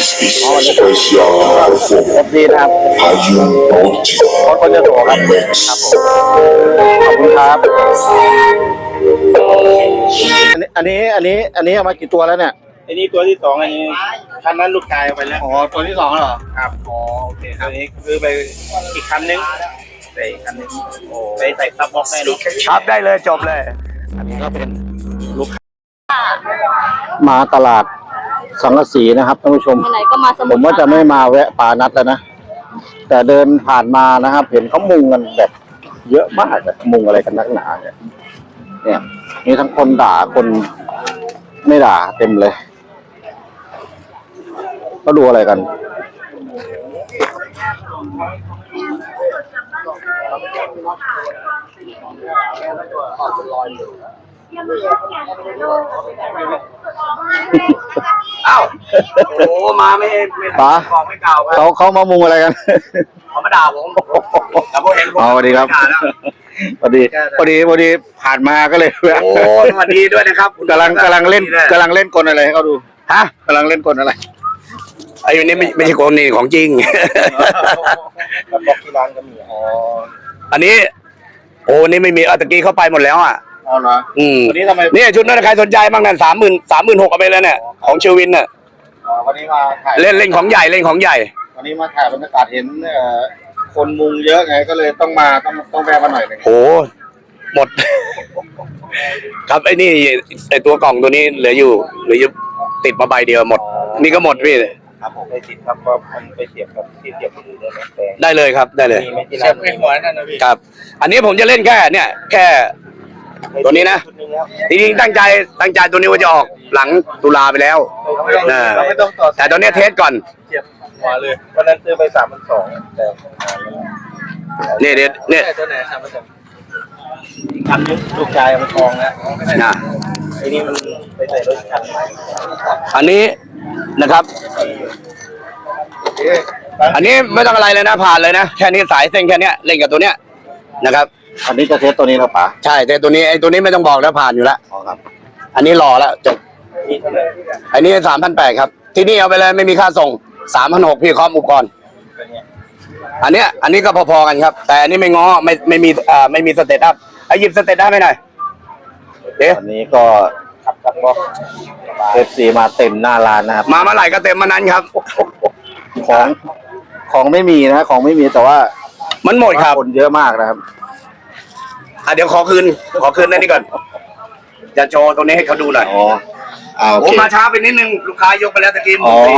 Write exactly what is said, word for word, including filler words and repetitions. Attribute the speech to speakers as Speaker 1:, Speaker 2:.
Speaker 1: อ๋อวันนี้เอฟซีนะครับคนคนจะโตครับครับผมขอบคุณครับอันนี้อันนี้อันนี้เอามากี่ตัวแล้วเนี่ย
Speaker 2: อันนี้ตัวที่สองอันนี้คันนั้นลูกชายเอาไปแล้ว
Speaker 1: อ๋อตัวที่สองเหรอ
Speaker 2: ครับอ๋อโอเคครับอันนี้คือไปอีกคันนึงใส่คันนึงไปใส่ซับบ็อกได้ลูก
Speaker 3: ครับได้เลยจบเลย
Speaker 1: อันนี้ก็เป็นลูกค้ามาตลาดสังกะสีนะครับท่านผู้ชมผมว่าจะไม่มาแวะปานัดแล้วนะแต่เดินผ่านมานะครับเห็นเขามุงกันแบบเยอะมากอะมุงอะไรกันนักหนาเนี่ยเนี่ยมีทั้งคนด่าคนไม่ด่าเต็มเลยก็ดูอะไรกัน
Speaker 3: อ้าวโอ้มาไม่ไม่
Speaker 1: ป๋า
Speaker 3: บอกไม่กล่าว
Speaker 1: เขาเขามามุงอะไรกัน
Speaker 3: เขามาด่าผมแต่พอเห็นผม
Speaker 1: สวัสดีครับพอดีพอดีพอดีผ่านมาก็เลย
Speaker 3: โอ้สวัสดีด้วยนะครับ
Speaker 1: กำลังกำลังเล่นกำลังเล่นกลอะไรให้เขาดู
Speaker 3: ฮะ
Speaker 1: กำลังเล่นกลอะไร
Speaker 3: ไอ้นี่ไม่ไม่ใช่กลนี่ของจริง
Speaker 2: บอกที่ร้านก็มีอ๋อ
Speaker 3: อันนี้โอ้นี่ไม่มีตะกี้เข้าไปหมดแล้วอ่ะ
Speaker 1: อ๋อเหรอ
Speaker 3: อืม
Speaker 1: วันนี้ทำไม
Speaker 3: นี่ชุดนั้นใครสนใจบ้างนั่นสามหมื่นสามหมื่นหกเอาไปแล้วเนี่ยของเชวินเนี่ย
Speaker 1: วันนี้มาถ่าย
Speaker 3: เล่นเล่นของใหญ่เล่นของใหญ่
Speaker 1: วันนี้มาถ่ายบรรยากาศเห็นคนมุงเยอะไงก็เลยต้องมาต้องต้องแวะมาหน่อยนึง
Speaker 3: โอ้หมดครับไอ้นี่ไอ้ตัวกล่องตัวนี้เหลืออยู่เหลืออยู่ติดมาใบเดียวหมดนี่ก็หมดพี่
Speaker 2: ครับผมไปติดครับก็มันไปเสียบกับที่เสียบมือได้ไหม
Speaker 3: ได้เลยครับได้เลย
Speaker 2: เสียบไปหัวนั่นนะพี่
Speaker 3: ครับอันนี้ผมจะเล่นแค่เนี่ยแค่ตัวนี้นะจริงๆตั้งใจตั้งใจตัวนี้ว่าจะออกหลังตุลาไปแล้วนะแต่ตอนนี้เทสก่อน
Speaker 2: เสียบหัวเลยวันนั้นซื้อไปสามพันสองแต่
Speaker 3: เนี่ยเนี่ยเนี่ย
Speaker 2: ตัวไหนสามพันสองคันนี้ลูกชายมันทองนะ
Speaker 3: นะ
Speaker 2: ไอ้นี่มันไปใส่รถคัน
Speaker 3: อันนี้นะครับอันนี้ไม่ต้องอะไรเลยนะผ่านเลยนะแค่นี้สายเส้นแค่นี้เล่นกับตัวเนี้ยนะครับ
Speaker 1: อันนี้จะเทสตัวนี้แล้วป่ะ
Speaker 3: ใช่แต่ตัวนี้ไอ้ตัวนี้ไม่ต้องบอกแล้วผ่านอยู่แล้ว
Speaker 1: อ๋อครับ
Speaker 3: อันนี้รอแล้วจบอันนี้สามพันแปดครับที่นี่เอาไปเลยไม่มีค่าส่งสามพันหกพี่คอมอุปกรณ์อันเนี้ยอันนี้ก็พอๆกันครับแต่อันนี้ไม่ง้อไม่ไม่มีอ่าไม่มีสเตตอัพไอ้หยิบสเตตอัพไม่หน่อย
Speaker 1: เดี๋ยวอันนี้ก็ขับขับบอกเอฟซีมาเต็มหน้าร้านนะครับ
Speaker 3: มาเมื่อไหร่ก็เต็มมานั้นครับ
Speaker 1: ของของไม่มีนะของไม่มีแต่ว่า
Speaker 3: มันหมดครับ
Speaker 1: คนเยอะมากนะครับ
Speaker 3: อ่ะเดี๋ยวขอคืนขอคืนนั่นนี่ก่อนจะโชว์ตรงนี้ให้เขาดูหน่อย
Speaker 1: อ๋ออ่าโอเค
Speaker 3: ผมมาช้าไปนิดนึงลูกค้ายกไปแล้วตะกี้